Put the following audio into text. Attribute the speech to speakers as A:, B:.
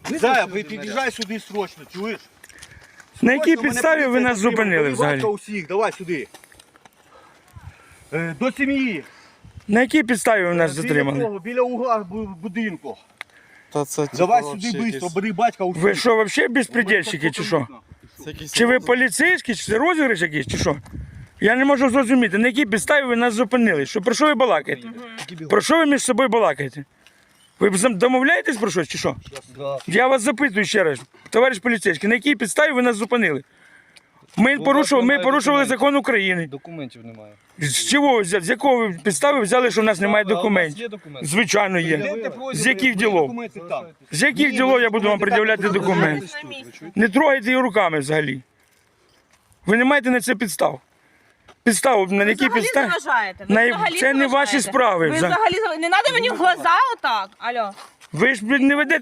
A: Зая, під'їжджай сюди срочно, чуєш?
B: На якій
A: Срочно, мене
B: підставі ви
A: поліція
B: нас
A: затримала.
B: зупинили
A: Поліватка
B: взагалі?
A: усіх, давай сюди. До сім'ї.
B: На якій підставі ви нас затримали?
A: Біля того, біля угла будинку.
C: Та це
A: Давай сюди швидко, бери батька усіх.
B: Ви що, взагалі безпредельщики чи що? Чи ви поліцейські, чи це розіграш якийсь, чи що? Я не можу зрозуміти, на якій підставі ви нас зупинили. Що, про що ви балакаєте? Про що ви між собою балакаєте? Ви домовляєтесь про щось чи що? Я вас запитую ще раз, товариш поліцейський, на якій підставі ви нас зупинили? Ми порушували закон України.
C: Документів немає.
B: З чого, з якого підстави взяли, що в нас немає
C: А у вас
B: документів?
C: є документи?
B: Звичайно є. З яких ділов? З яких ділов я буду вам пред'являти документи? Не трогайте її руками взагалі. Ви не маєте на це підстав. Підстав, на які
D: Взагалі
B: підстави?
D: заважаєте.
B: На-
D: Ви взагалі
B: це не
D: заважаєте.
B: ваші справи.
D: Ви взагалі не треба мені в глаза отак. Алло.
B: Ви ж не ведете